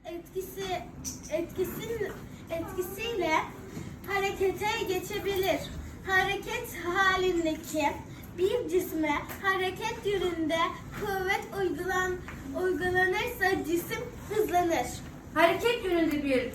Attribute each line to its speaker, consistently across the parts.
Speaker 1: etkisiyle harekete geçebilir. Hareket halindeki bir cisme hareket yönünde kuvvet uygulanırsa cisim hızlanır.
Speaker 2: Hareket yönünde bir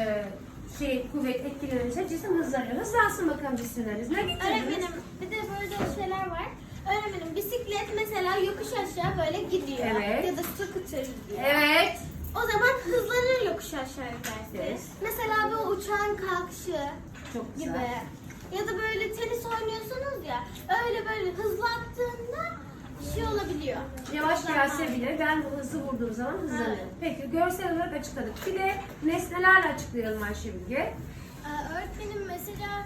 Speaker 2: kuvvet etkilenirse cisim hızlanıyor. Hızlansın bakalım cisimleriniz. Ne getirdiniz?
Speaker 1: Öğretmenim bir de böyle şeyler var. Öğretmenim bisiklet mesela yokuş aşağı böyle gidiyor.
Speaker 2: Evet.
Speaker 1: Ya da scooter gidiyor.
Speaker 2: Evet.
Speaker 1: O zaman hızlanır yokuş aşağı giderse.
Speaker 2: Evet.
Speaker 1: Mesela bu uçağın kalkışı
Speaker 2: Çok güzel.
Speaker 1: gibi. Ya da böyle tenis oynuyorsunuz ya, öyle böyle hızlı attığında şey olabiliyor.
Speaker 2: Yavaş gelse bile ben bu hızlı vurduğum zaman hızlanıyorum.
Speaker 1: Evet.
Speaker 2: Peki görsel olarak açıkladık. Bir de nesnelerle açıklayalım Ayşebilge.
Speaker 1: Öğretmenim mesela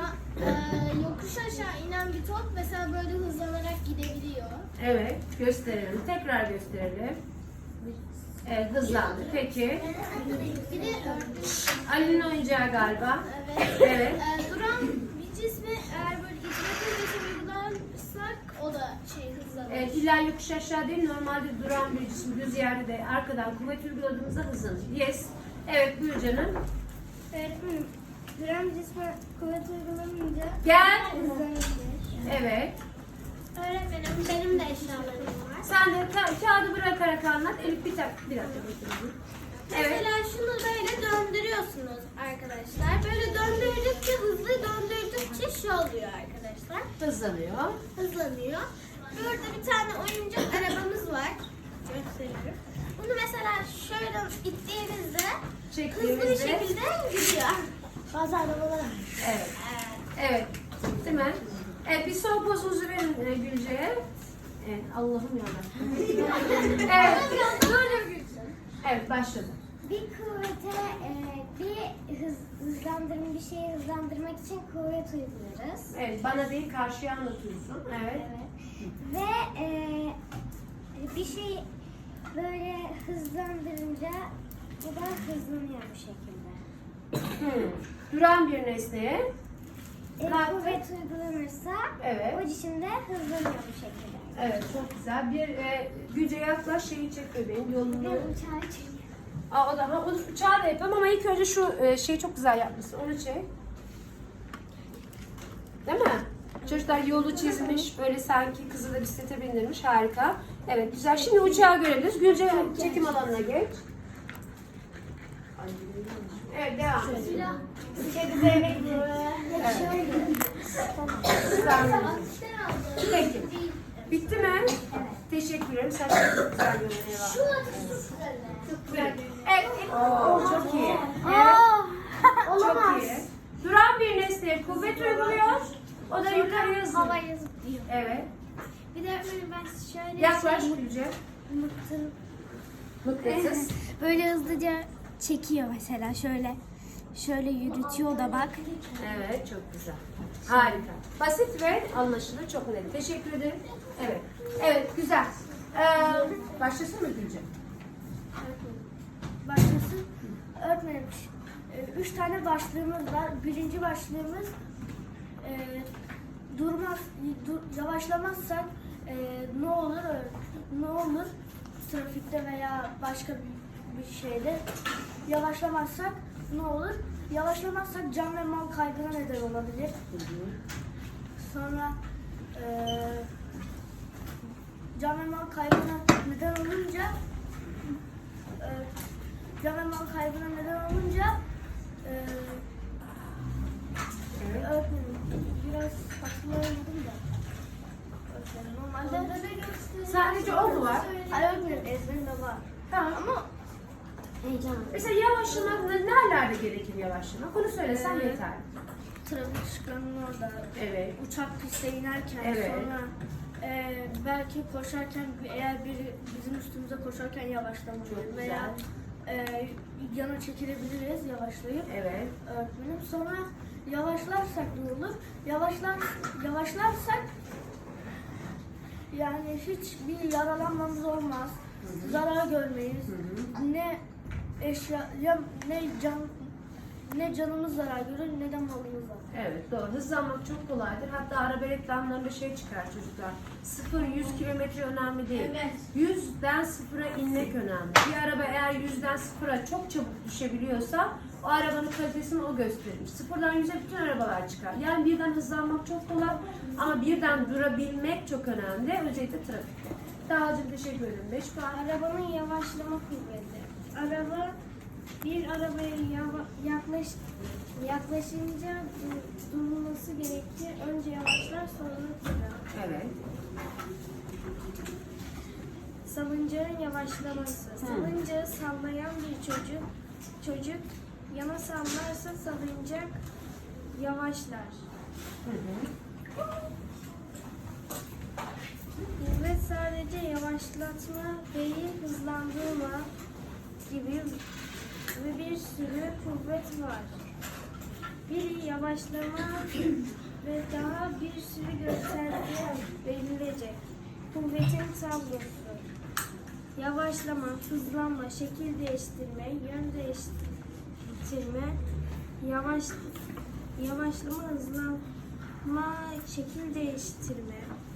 Speaker 1: yokuş aşağı inen bir top mesela böyle hızlanarak gidebiliyor.
Speaker 2: Evet, gösterelim. Tekrar gösterelim. Evet, hızlandı. Peki.
Speaker 1: Bir de
Speaker 2: Ali'nin oyuncağı galiba.
Speaker 1: evet.
Speaker 2: Evet.
Speaker 1: Duran bir cismi eğer böyle ivmetle uygularsak o da hızlanır.
Speaker 2: Evet, illa yokuş aşağı değil, normalde duran bir cisim düz yerde de arkadan kuvvet uyguladığımızda hızlanır. Yes. Evet, buyur canım.
Speaker 1: Öğretmenim, duran cisme kuvvet uygulanınca
Speaker 2: Gel.
Speaker 1: hızlanır.
Speaker 2: Evet.
Speaker 1: Öğretmenim, benim de eşyalarım var.
Speaker 2: Sen de kağıdı bırakarak anlat. Elif bir dakika bakayım. Evet.
Speaker 1: Mesela şunu böyle döndürüyorsunuz arkadaşlar. Böyle döndürdükçe, hızlı döndürdükçe şey oluyor arkadaşlar.
Speaker 2: Hızlanıyor.
Speaker 1: Hızlanıyor. Burada bir tane oyuncak arabamız var. Gösteriyorum. Bunu mesela şöyle ittiğinizde hızlı bir şekilde gidiyor. Bazı arabalar var.
Speaker 2: Evet. Evet. Değil mi? Evet, bir son pozunuzu verin Gülce'ye. Evet, Allah'ım yarabbim. Evet. Böyle Gülce. Evet, başladı.
Speaker 3: Bir kuvvete bir şeyi hızlandırmak için kuvvet uyguluyoruz.
Speaker 2: Evet, bana değil karşıya anlatıyorsun. Evet.
Speaker 3: Ve bir şey böyle hızlandırınca bu da hızlanıyor bu şekilde.
Speaker 2: Duran bir nesneye.
Speaker 3: Kuvvet uygulanırsa
Speaker 2: Evet.
Speaker 3: o cisim de hızlanıyor bu şekilde.
Speaker 2: Evet, çok güzel. Bir Gülce yaklaş, şeyi çek bebeğin yolunu.
Speaker 3: Uçağı çekiyor.
Speaker 2: O da onu uçağı da yapalım ama ilk önce şu şeyi çok güzel yapmışsın. Onu çek. Değil mi? Çocuklar yolu çizmiş. Böyle sanki kızı da bisiklete bindirmiş. Harika. Evet, güzel. Şimdi uçağı görebiliriz. Gülce çekim alanına geç. Evet, devam. Peki. Bitti mi? Evet. Teşekkür ederim. Sen çok güzel görünüyor. Evet. Çok iyi. Evet. Çok iyi. Duran bir nesneye kuvvet uyguluyor. O da yukarıya hızlı.
Speaker 1: Havaya zıplıyor.
Speaker 2: Evet.
Speaker 1: Bir de öğretmenim ben şöyle
Speaker 2: Yaklaş Gülce. Mıknatıs.
Speaker 1: böyle hızlıca çekiyor mesela şöyle yürütüyor da bak.
Speaker 2: Evet, çok güzel. Harika. Basit ve anlaşılır, çok net. Teşekkür ederim. Evet. Evet, güzel. Başlasın mı Gülce?
Speaker 4: Başlasın. Öğretmenim, 3 tane başlığımız var. Birinci başlığımız yavaşlamazsak ne olur trafikte veya başka bir şeyde yavaşlamazsak ne olur? Yavaşlamazsak can ve mal kaybına neden olabilir. Sonra can ve mal kaybına neden olunca öğretmenim biraz hatırlayamadım da. Normalde
Speaker 2: Sadece o mu var?
Speaker 4: hayır öğretmenim ezberimde var.
Speaker 2: Tamam ama mesela yavaşlamak nerelerde gerekir yavaşlamak? Onu söylesen yeter.
Speaker 4: Trafik ışıklarının orada.
Speaker 2: Evet.
Speaker 4: Uçak piste inerken
Speaker 2: Evet.
Speaker 4: sonra belki koşarken eğer biri bizim üstümüze koşarken yavaşlamalıyız
Speaker 2: Çok
Speaker 4: veya yana çekilebiliriz yavaşlayıp.
Speaker 2: Evet.
Speaker 4: Öğretmenim sonra yavaşlarsak ne olur? Yavaşlarsak yani hiçbir yaralanmamız olmaz. Zarar görmeyiz. Ne eşya ne can ne canımız zarar görür ne de malımız zarar.
Speaker 2: Evet doğru. Hızlanmak çok kolaydır. Hatta araba reklamlarında şey çıkar çocuklar. 0-100 kilometre önemli değil.
Speaker 1: Evet.
Speaker 2: 100'den 0'a inmek önemli. Bir araba eğer 100'den 0'a çok çabuk düşebiliyorsa o arabanın kalitesini o gösterir. 0'dan 100'e bütün arabalar çıkar. Yani birden hızlanmak çok kolay ama birden durabilmek çok önemli. Özellikle trafikte. Dağcım teşekkür ederim. 5 puan.
Speaker 3: Arabanın yavaşlama kuvveti. Bir arabaya yaklaşınca durulması gerekir. Önce yavaşlar sonra durar.
Speaker 2: Evet.
Speaker 3: Salıncağın yavaşlaması. Salıncağı sallayan bir çocuk yana sallarsa salıncak yavaşlar. Kuvvet sadece yavaşlatma değil, hızlandırma gibi ve bir sürü kuvvet var. Biri yavaşlama ve daha bir sürü gösterge verilecek. Kuvvetin tablosu. Yavaşlama, hızlanma, şekil değiştirme, yön değiştirme, yavaşlama, hızlanma, şekil değiştirme,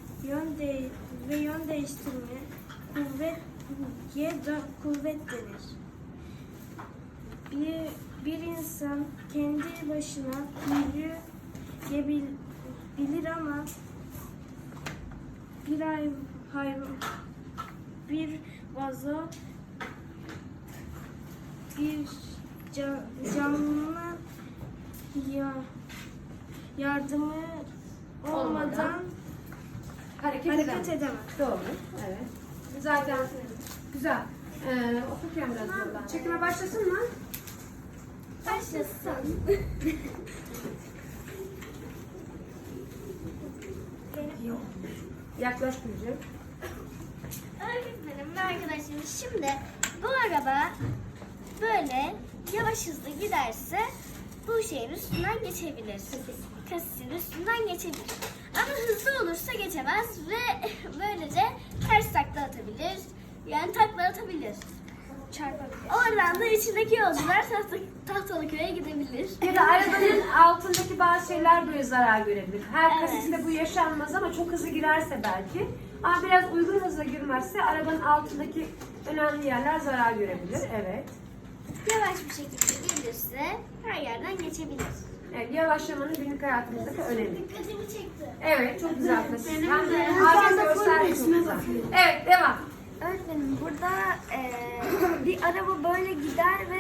Speaker 3: yön değiştirme, kuvvet denir. Bir insan kendi başına yürüyebilir ama bir vazo bir canlı yardımı olmadan
Speaker 2: Hareket
Speaker 3: edemez.
Speaker 2: Doğru. Evet. Zaten güzel. Okurken biraz zorlan. Çekime başlasın mı?
Speaker 3: Başlasın.
Speaker 2: Yaklaş Gülcüm.
Speaker 1: Öğretmenim ve arkadaşlarım, şimdi bu araba böyle yavaş hızlı giderse bu şeyin üstünden geçebilir. Kasisin üstünden geçebilir. Ama hızlı olursa geçemez ve böylece ters takla atabilir. Yani takla atabilir.
Speaker 3: Çarpabilir.
Speaker 1: Oradan da içindeki yolcular Tahtalıköy'e gidebilir.
Speaker 2: Ya da arabanın altındaki bazı şeyler böyle zarar görebilir. Her
Speaker 1: Evet.
Speaker 2: kasisinde bu yaşanmaz ama çok hızlı girerse belki. Ama biraz uygun hızla girmezse arabanın altındaki önemli yerler zarar görebilir. Evet.
Speaker 1: Yavaş bir şekilde gelirse her yerden geçebilir.
Speaker 2: Evet, yavaşlamanın günlük hayatımızdaki önemi.
Speaker 1: Dikkatimi çekti.
Speaker 2: Evet, çok güzel kasis. Hem de ağaca gösterdi çok güzel. Evet, devam.
Speaker 3: Öğretmenim burada bir araba böyle gider ve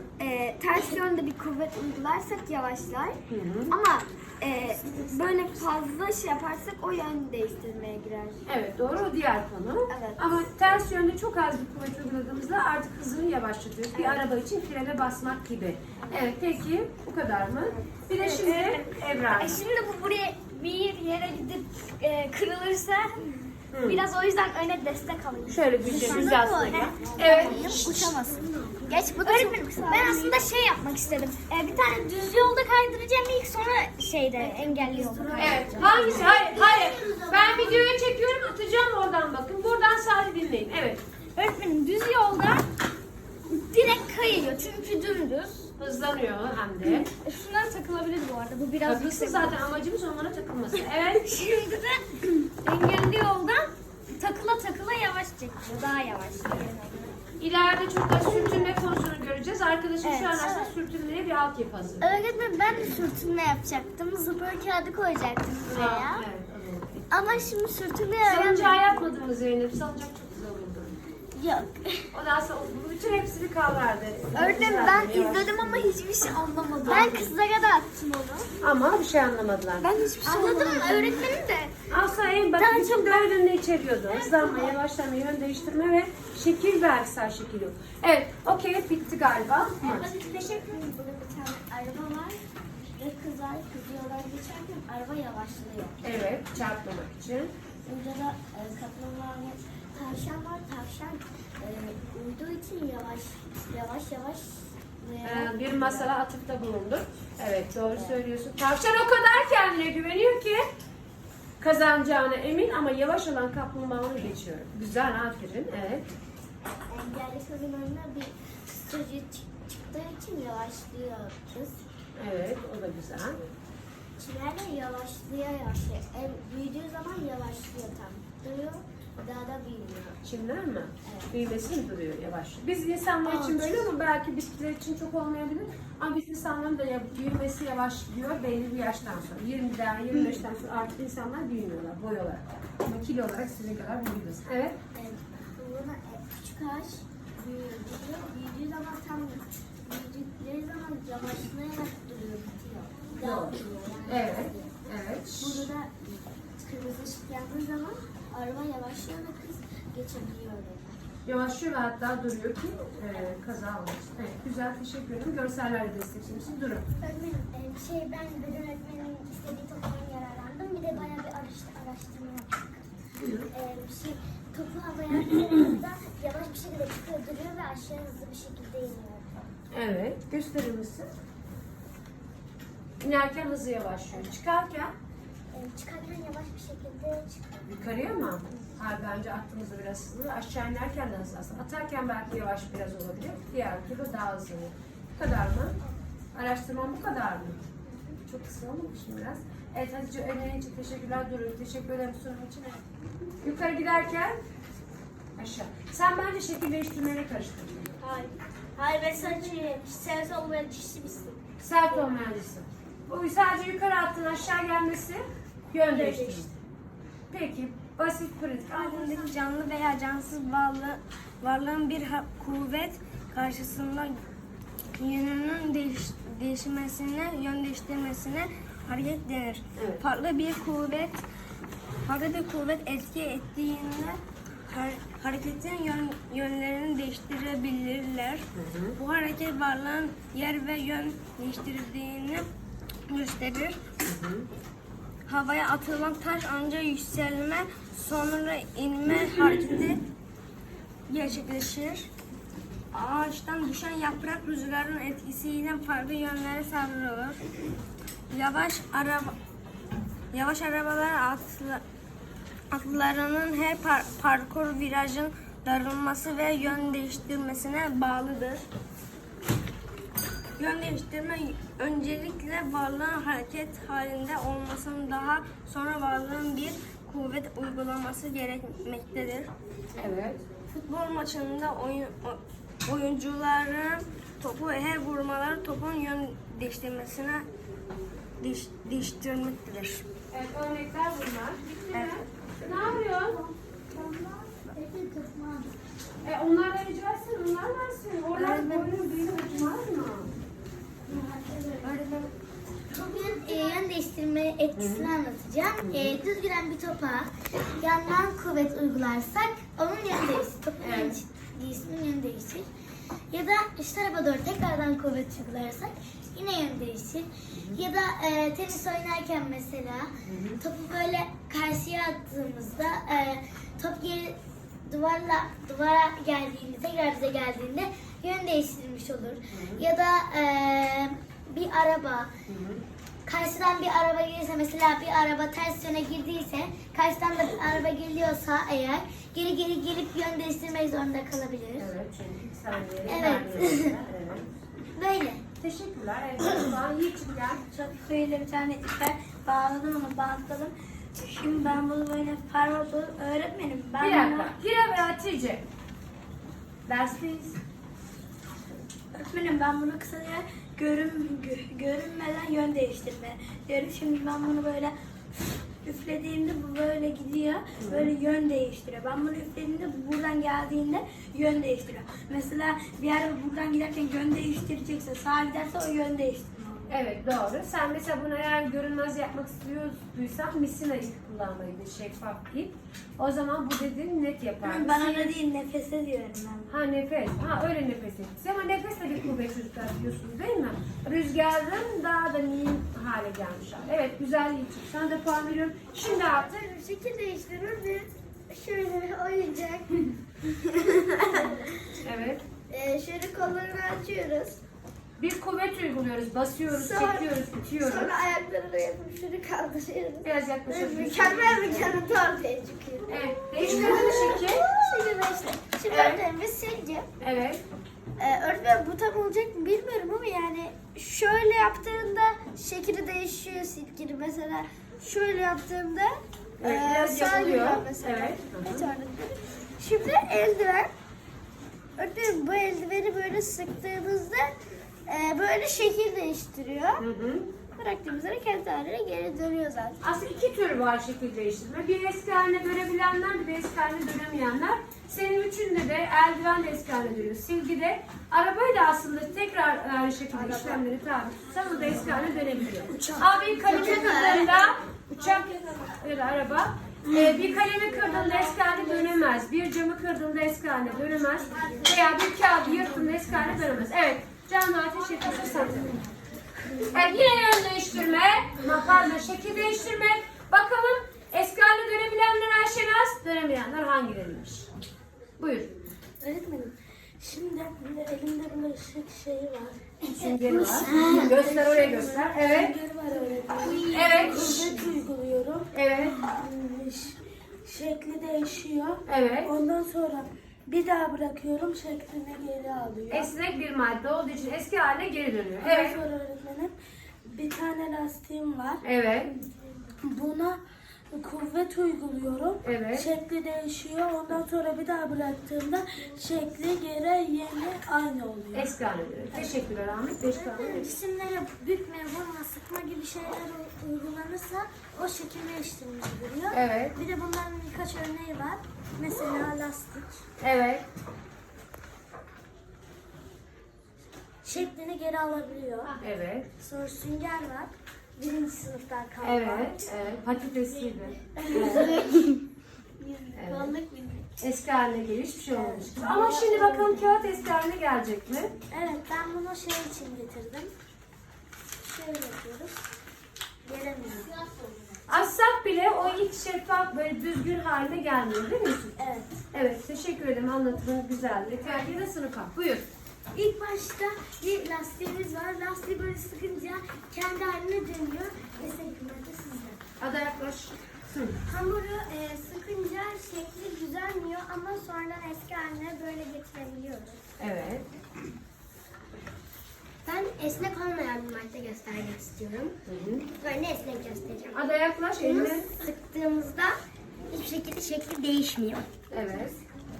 Speaker 3: ters yönde bir kuvvet uygularsak yavaşlar. Ama böyle fazla şey yaparsak o yön değiştirmeye girer.
Speaker 2: Evet, doğru, o diğer konu.
Speaker 3: Evet.
Speaker 2: Ama ters yönde çok az bir kuvvet uyguladığımızda artık hızını yavaşlatıyoruz. Bir araba için frene basmak gibi. Evet, peki bu kadar mı? Bir de şimdi Ebrar.
Speaker 1: Şimdi bu buraya bir yere gidip kırılırsa biraz o yüzden öne destek alıyor.
Speaker 2: Şöyle güzel aslında. Evet.
Speaker 1: Uçamasın. Geç bu ben aslında şey yapmak istedim. Bir tane düz yolda kaydıracağım ilk, sonra şeyde engelli yolda.
Speaker 2: Evet. Hangisi? Hayır. Ben videoyu çekiyorum, atacağım oradan bakın. Buradan sadece dinleyin. Evet.
Speaker 1: Öğretmenim düz yolda direkt kayıyor çünkü dümdüz.
Speaker 2: Hızlanıyor hem de.
Speaker 1: Şunlar takılabilir bu arada. Bu biraz
Speaker 2: Takılsın zaten, amacımız onlara takılması. Evet.
Speaker 1: Şimdi de engelli yoldan takıla yavaş çekiyor. Daha yavaş.
Speaker 2: İleride çok da sürtünme konusunu göreceğiz. Arkadaşım şu an aslında sürtünmeye bir altyapı hazır.
Speaker 1: Öğretmenim ben de sürtünme yapacaktım. Zıpır kağıdı koyacaktım buraya.
Speaker 2: Evet, alalım.
Speaker 1: Ama şimdi sürtünme
Speaker 2: Salıncağı yapmadın mı Zeynep? Salıncak çok güzel olurdu.
Speaker 1: Yok.
Speaker 2: Ondan sonra bütün hepsini kavrardı.
Speaker 1: Öğretmenim ben izledim ama hiçbir şey anlamadım. Ben kızlara da attım onu.
Speaker 2: Ama bir şey anlamadılar.
Speaker 1: Ben hiçbir şey anladım. Öğretmenim de.
Speaker 2: Aslında en bak bütün dördünü içeriyordu. Hızlanma, yavaşlama, yön değiştirme ve şekil vergisel şekil yok. Evet, okey, bitti galiba.
Speaker 3: Teşekkür ederim. Burada bir tane araba var ve kızlar yoldan geçerken araba yavaşlıyor.
Speaker 2: Evet, çarpmamak için.
Speaker 3: Burada da kaplumbağa ve tavşan var. Tavşan uyuduğu için yavaş
Speaker 2: Bir masala atıfta bulundu. Evet, doğru söylüyorsun. Tavşan o kadar kendine güveniyor ki kazanacağına emin ama yavaş olan kaplumbağa onu geçiyor. Güzel, aferin. Evet.
Speaker 3: engelli kadınlarına bir
Speaker 1: çıktığı için yavaşlıyor kız.
Speaker 2: Evet, o da güzel.
Speaker 1: Çimerle yavaşlıyor. Büyüdüğü zaman yavaşlıyor tam. Duruyor, daha da büyüyor.
Speaker 2: Çimler mi?
Speaker 1: Evet.
Speaker 2: Büyümesi mi duruyor yavaş? Biz insanlar için böyle ama belki bitkiler için çok olmayabilir. Ama biz insanların da büyümesi yavaş gidiyor belli bir yaştan sonra. 20'den 25'ten sonra artık insanlar büyümüyorlar boy olarak. Ama kilo olarak sizin kadar büyüdünüz. Evet.
Speaker 1: Buna küçük ağaç büyüyor. Büyüdüğü zaman tam büyüdükleri zaman yavaşlayarak duruyor, bitiyor. Daha
Speaker 2: Doğru.
Speaker 1: büyüyor yani.
Speaker 2: Evet. Evet.
Speaker 1: Burada da kırmızı ışık yandığı zaman araba yavaşlıyor ve kız geçebiliyor orada.
Speaker 2: Yavaşlıyor ve hatta duruyor ki kaza olmasın. Evet, güzel, teşekkür ederim. Görsellerle desteklemişsin. Durun.
Speaker 1: Öğretmenim, ben beden öğretmeninin istediği toptan yararlandım. Bir de bayağı bir araştırma yaptık. Topu havaya attığımızda yavaş bir şekilde çıkıyor, duruyor ve aşağı hızlı bir şekilde iniyor.
Speaker 2: Evet, gösterir misin? İnerken hızı yavaşlıyor. Çıkarken
Speaker 1: Çıkarken yavaş bir şekilde çıkıyor.
Speaker 2: yukarıya mı? Hayır, bence attığımızda biraz hızlı. Aşağı inerken de hızlı aslında. Atarken belki yavaş biraz olabilir. Diğer türlü daha hızlı. Bu kadar mı? Araştırmam bu kadar mı? Çok kısa olmamış mı biraz? Evet Hatice, önerin için teşekkürler. Durun. Teşekkür ederim sunum için. Evet. Yukarı giderken aşağı. Sen bence şekil değiştirmeyle karıştırdın.
Speaker 1: Hayır ben sadece sens olmayan kişi misin?
Speaker 2: Sert olmayancısı. Bu sadece yukarı attığın aşağı gelmesi yön değiştirir. Peki, basit pratik.
Speaker 3: Ardındaki canlı veya cansız varlığın bir kuvvet karşısında yönünün değişmesine, yön değiştirmesine hareket denir.
Speaker 2: Evet.
Speaker 3: Farklı bir kuvvet etki ettiğinde hareketin yönlerini değiştirebilirler. Bu hareket varlığın yer ve yön değiştirdiğini gösterir. Havaya atılan taş önce yükselme sonra inme hareketi gerçekleşir. Ağaçtan düşen yaprak rüzgarın etkisiyle farklı yönlere savrulur. Yavaş arabalar atlarının her parkur virajın darılması ve yön değiştirmesine bağlıdır. Yön değiştirme öncelikle varlığın hareket halinde olmasının daha sonra varlığın bir kuvvet uygulaması gerekmektedir.
Speaker 2: Evet.
Speaker 3: Futbol maçında oyuncuların topu her vurmaları topun yön değiştirmesine değiştirmektedir.
Speaker 2: Evet, örnekler bunlar. Bitti mi?
Speaker 3: Evet.
Speaker 2: Ne yapıyorsun? Onlar da rica etsin, onlar versin. Oradan boyun büyüğü uçmaz mı?
Speaker 1: Bugün yön değiştirme etkisini anlatacağım. Düz giden bir topa yandan kuvvet uygularsak onun yönü değişir. Topun isminin yönü değişir. Ya da üst tarafa doğru tekrardan kuvvet uygularsak yine yön değişir. Ya da tenis oynarken mesela topu böyle karşıya attığımızda top geri duvara geldiğinde, tekrar bize geldiğinde yön değiştirmiş olur. Ya da bir araba, karşıdan bir araba gelirse, mesela bir araba ters yöne girdiyse, karşıdan da bir araba geliyorsa eğer geri gelip yön değiştirmek zorunda kalabilir.
Speaker 2: Evet, çünkü ilk saniyeleri
Speaker 1: Evet.
Speaker 2: vermiyorlar. Evet.
Speaker 1: Böyle.
Speaker 2: Teşekkürler. Evet, şu an Yiğit'im gel.
Speaker 4: Çok böyle bir tane iper bağladım ama bantladım. Şimdi ben bunu böyle parmak öğretmenim. Ben
Speaker 2: Bir
Speaker 4: bunu-
Speaker 2: dakika. Hira ve Hatice. Dersteyiz.
Speaker 4: Öğretmenim ben bunu kısaca görünmeden yön değiştirme diyorum. Şimdi ben bunu böyle üflediğimde bu böyle gidiyor. Böyle yön değiştiriyor. Ben bunu üflediğimde bu buradan geldiğinde yön değiştiriyor. Mesela bir araba buradan giderken yön değiştirecekse, sağa giderse o yön değiştiriyor.
Speaker 2: Evet, doğru. Sen mesela bunu eğer görünmez yapmak istiyorduysan misina ip kullanmalıydı, şeffaf ip. O zaman bu dediğin net yapar.
Speaker 4: Ben öyle değil, nefese diyorum ben.
Speaker 2: Ha, nefes. Ha, öyle nefes etkisi. Ama nefesle bir kuvvet çocuklar biliyorsunuz değil mi? Rüzgarın daha da mühim hale gelmiş. Evet, güzel Yiğit'im. Sana da puan veriyorum. Şimdi artık
Speaker 1: Şekil değiştirir bir şöyle bir oyuncak.
Speaker 2: evet.
Speaker 1: Şöyle kollarını açıyoruz.
Speaker 2: Bir kuvvet uyguluyoruz. Basıyoruz, çekiyoruz, itiyoruz.
Speaker 1: Sonra ayaklarını yapıp şunu kaldırıyoruz.
Speaker 2: Biraz yaklaşalım.
Speaker 1: Mükemmel bir kanıtı ortaya çıkıyor.
Speaker 2: Evet. Değiştirelim şekil.
Speaker 1: Şimdi işte. Şimdi
Speaker 2: Evet.
Speaker 1: öğretmenimiz sizce
Speaker 2: Evet.
Speaker 1: öğretmen bu
Speaker 4: tam olacak mı bilmiyorum ama yani şöyle yaptığında şekli değişiyor silginin. Mesela şöyle yaptığımda
Speaker 2: Evet, biraz
Speaker 4: sağ
Speaker 2: yapılıyor.
Speaker 4: gidiyor mesela.
Speaker 2: Evet.
Speaker 4: Bir tane. Şimdi eldiven. Örneğin bu eldiveni böyle sıktığımızda böyle şekil değiştiriyor.
Speaker 2: Hı hı.
Speaker 4: Bıraktığımız yere kendi haline geri dönüyor zaten.
Speaker 2: Aslında iki tür var şekil değiştirme. Bir eski haline dönebilenler, bir de eski haline dönemeyenler. Senin üçünde de eldiven de eski haline dönüyor. Silgi de. Arabayı da aslında tekrar aynı şekilde işlemleri tabi tutsan o da eski haline dönebiliyor. Abi kalemi kırdığında uçak ya da araba. Bir kalemi kırdığında eski haline dönemez. Bir camı kırdığında eski haline dönemez. Veya bir kağıdı yırttığında eski haline dönemez. Evet. Can ateş ediyorsun sen de. Evet, yine yön değiştirme. Pardon, şekil değiştirme. Bakalım eski haline dönebilenler Ayşenaz, dönemeyenler hangileriymiş? Buyur.
Speaker 4: Öğretmenim, şimdi elimde böyle şeyi var.
Speaker 2: Süngeri var. Göster, oraya göster. Evet.
Speaker 4: Süngeri var öğretmenim.
Speaker 2: Evet.
Speaker 4: Kuvvet uyguluyorum.
Speaker 2: Evet.
Speaker 4: Şekli değişiyor.
Speaker 2: Evet.
Speaker 4: Ondan sonra bir daha bırakıyorum, şeklini geri alıyor.
Speaker 2: Esnek bir madde olduğu için eski haline geri dönüyor.
Speaker 4: Ondan
Speaker 2: Evet.
Speaker 4: sonra öğretmenim bir tane lastiğim var.
Speaker 2: Evet.
Speaker 4: Buna kuvvet uyguluyorum.
Speaker 2: Evet.
Speaker 4: Şekli değişiyor. Ondan sonra bir daha bıraktığımda şekli geri yeni aynı oluyor.
Speaker 2: Eski haline dönüyor. Teşekkürler Ahmet. Eski haline dönüyor.
Speaker 4: Cisimlere bükme, vurma, sıkma gibi şeyler uygulanırsa o şekil değiştirmiş oluyor.
Speaker 2: Evet.
Speaker 4: Bir de bunların birkaç örneği var. Mesela lastik.
Speaker 2: Evet.
Speaker 4: Şeklini geri alabiliyor.
Speaker 2: Evet.
Speaker 4: Sonra sünger var. Birinci sınıftan kalma.
Speaker 2: Evet. Evet. Patatesiydi.
Speaker 4: Balık bilmek.
Speaker 2: Eski haline geliyor. Hiçbir şey olmamış. Ama şimdi bakalım kağıt eski haline gelecek mi?
Speaker 4: Evet, ben bunu şey için getirdim. Şöyle yapıyoruz. Gelemiyor.
Speaker 2: Açsak bile o ilk şeffaf böyle düzgün haline gelmiyor değil mi Yusuf?
Speaker 4: Evet.
Speaker 2: Evet, teşekkür ederim. Anlatımın güzeldi. Terbiye de sınıfa. Buyur.
Speaker 4: İlk başta bir lastiğimiz var. Lastiği böyle sıkınca kendi haline dönüyor. Destek kıymeti sizde.
Speaker 2: Ada yaklaş. Hı.
Speaker 4: Hamuru sıkınca şekli düzelmiyor ama sonradan eski haline böyle getirebiliyoruz.
Speaker 2: Evet.
Speaker 1: Ben esnek olmayan bir madde göstermek istiyorum.
Speaker 2: Hı hı.
Speaker 1: Böyle esnek göstereceğim.
Speaker 2: Ada yaklaş.
Speaker 1: Bunu
Speaker 2: Eline.
Speaker 1: sıktığımızda hiçbir şekilde şekli değişmiyor.
Speaker 2: Evet.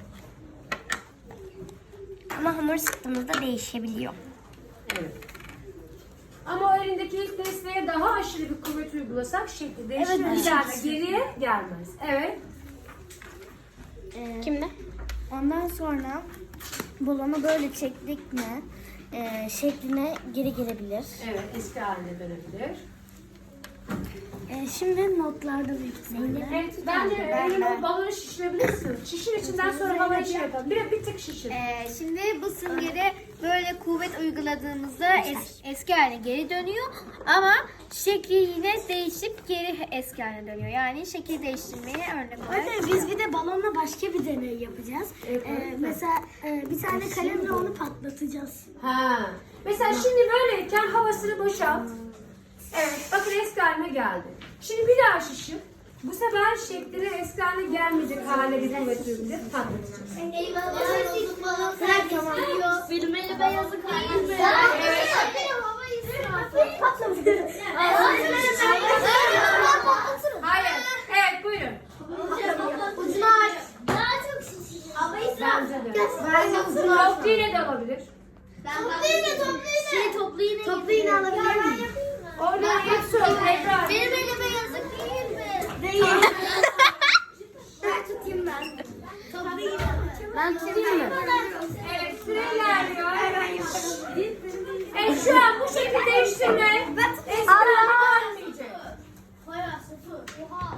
Speaker 1: Ama hamur sıktığımızda değişebiliyor.
Speaker 2: Evet. Ama o elindeki ilk desteğe daha aşırı bir kuvvet uygulasak şekli değişir.
Speaker 4: Evet,
Speaker 2: Bir daha da geriye gelmez. Evet.
Speaker 1: Kimde?
Speaker 4: Ondan sonra balonu böyle çektik mi şekline geri gelebilir.
Speaker 2: Evet. Eski haline dönebilir.
Speaker 4: Şimdi notlarda büyük ihtimalle.
Speaker 2: Evet. Bence elini balonu şişirebilirsin. Şişir içinden sonra havayı şey yapalım. Bir tık şişir.
Speaker 3: Şimdi bu süngere böyle kuvvet uyguladığımızda eski haline geri dönüyor ama şekli yine değişip geri eski haline dönüyor. Yani şekil değiştirmeye örnek olarak.
Speaker 4: Zaten biz bir de balonla başka bir deney yapacağız.
Speaker 2: Evet.
Speaker 4: Mesela bir tane kalemle onu patlatacağız.
Speaker 2: Ha. Mesela şimdi böyleyken havasını boşalt. Evet, bakın eski haline geldi. Şimdi bir daha şişir. Bu sefer şekline eski haline gelmeyecek hale bir kuvvet uygulayıp patlatacağız.
Speaker 1: Bilmeli beyazı değil mi?
Speaker 2: Hayır. Evet, buyurun.
Speaker 1: Ucunu aç. Daha çok şişiyor. Ama
Speaker 2: Bence de. Toplu iğne de olabilir.
Speaker 1: Toplu iğne alabilir miyim?
Speaker 2: Oradan ilk söz tekrar.
Speaker 1: Benim elime yazık değil mi?
Speaker 4: Değil. Ben tutayım ben.
Speaker 1: Toplu iğne.
Speaker 2: Ben tutayım mı? Evet, süre ilerliyor. Evet, şu an bu şekilde değiştirme. Eski haline gelmeyecek.
Speaker 1: Bayağı sıfır. Oha.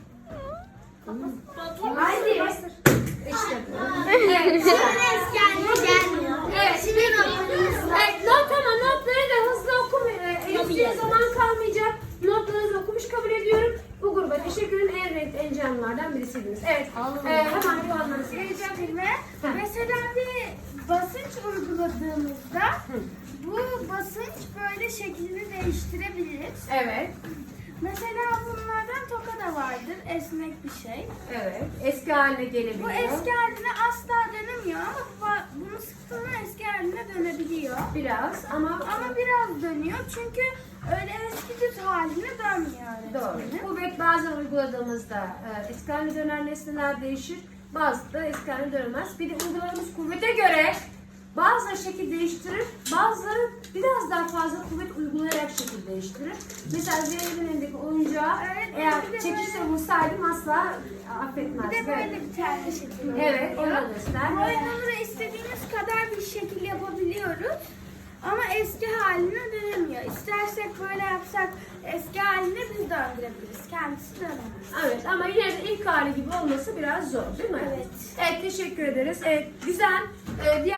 Speaker 2: Haydi. İşte bu. Evet.
Speaker 1: Eski haline gelmiyor.
Speaker 2: Evet. Evet, notları da hızlı okumuyor. Elif'ciğe zaman kalmayacak. Notlarınızı okumuş kabul ediyorum. Bu gruba teşekkür ederim. En renkli, en canlılardan birisiydiniz. Evet. Hemen puanlarınızı vereceğim.
Speaker 4: Mesela bir basınç uyguladığımızda bu basınç böyle şeklini değiştirebilir.
Speaker 2: Evet.
Speaker 4: Mesela bunlardan toka da var vardır. Esnek bir şey.
Speaker 2: Evet. Eski haline gelebiliyor.
Speaker 4: Bu eski haline asla dönemiyor ama bunu sıktığında eski haline dönebiliyor.
Speaker 2: Biraz ama
Speaker 4: Ama biraz dönüyor çünkü öyle eski düz haline dönmüyor
Speaker 2: doğru.
Speaker 4: öğretmenim.
Speaker 2: Kuvvet bazen uyguladığımızda eski haline dönen nesneler değişir. Bazı da eski haline dönmez. Bir de uyguladığımız kuvvete göre bazıları şekil değiştirir, bazıları biraz daha fazla kuvvet uygulayarak şekil değiştirir. Mesela Zeynep'in elindeki oyuncağı
Speaker 4: Evet,
Speaker 2: eğer
Speaker 4: bir de
Speaker 2: çekişle vursaydım asla affetmezdi.
Speaker 4: Bir de böyle bir tane şekil
Speaker 2: Evet,
Speaker 4: oluyor.
Speaker 2: onu göster.
Speaker 4: Bu oyunları istediğimiz kadar bir şekil yapabiliyoruz. Ama eski haline dönemiyor. İstersek böyle yapsak eski haline biz döndürebiliriz. Kendisi dönemez.
Speaker 2: Evet ama yine de ilk hali gibi olması biraz zor değil mi?
Speaker 4: Evet.
Speaker 2: Evet, teşekkür ederiz. Evet, güzel. Diğer